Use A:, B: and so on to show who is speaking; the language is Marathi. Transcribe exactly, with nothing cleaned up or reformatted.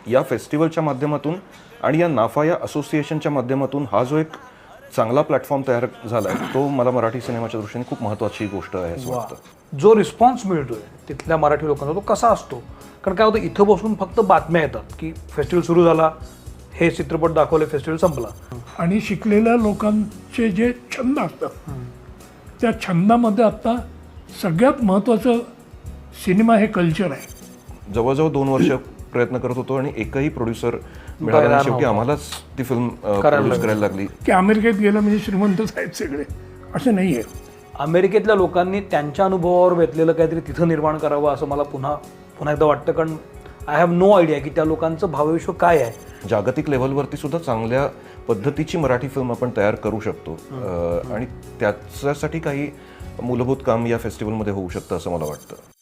A: या फेस्टिवलच्या माध्यमातून आणि या नाफा या असोसिएशनच्या माध्यमातून हा जो एक चांगला प्लॅटफॉर्म तयार झाला आहे तो मला मराठी सिनेमाच्या दृष्टीने खूप महत्त्वाची गोष्ट आहे असं वाटतं.
B: जो रिस्पॉन्स मिळतोय तिथल्या मराठी लोकांना तो कसा असतो? कारण काय होतं, इथं बसून फक्त बातम्या येतात की फेस्टिवल सुरू झाला, हे चित्रपट दाखवले, फेस्टिवल संपला.
C: आणि शिकलेल्या लोकांचे जे छंद असतात त्या छंदामध्ये आत्ता सगळ्यात महत्त्वाचं सिनेमा हे कल्चर आहे.
A: जवळजवळ दोन वर्ष प्रयत्न करत होतो आणि एकही प्रोड्युसर मिळाला नाही. शेवटी आम्हालाच ती फिल्म प्रोड्यूस करायला लागली.
C: की अमेरिकेत गेलं म्हणजे श्रीमंतच आहेत सगळे, असं नाही आहे.
B: अमेरिकेतल्या लोकांनी त्यांच्या अनुभवावर बेतलेलं काहीतरी तिथं निर्माण करावं असं मला पुन्हा पुन्हा एकदा वाटतं. कारण आय हॅव नो आयडिया की त्या लोकांचं भावविश्व काय आहे.
A: जागतिक लेव्हलवरती सुद्धा चांगल्या पद्धतीची मराठी फिल्म आपण तयार करू शकतो आणि त्याच्यासाठी काही मूलभूत काम या फेस्टिवलमध्ये होऊ शकतं असं मला वाटतं.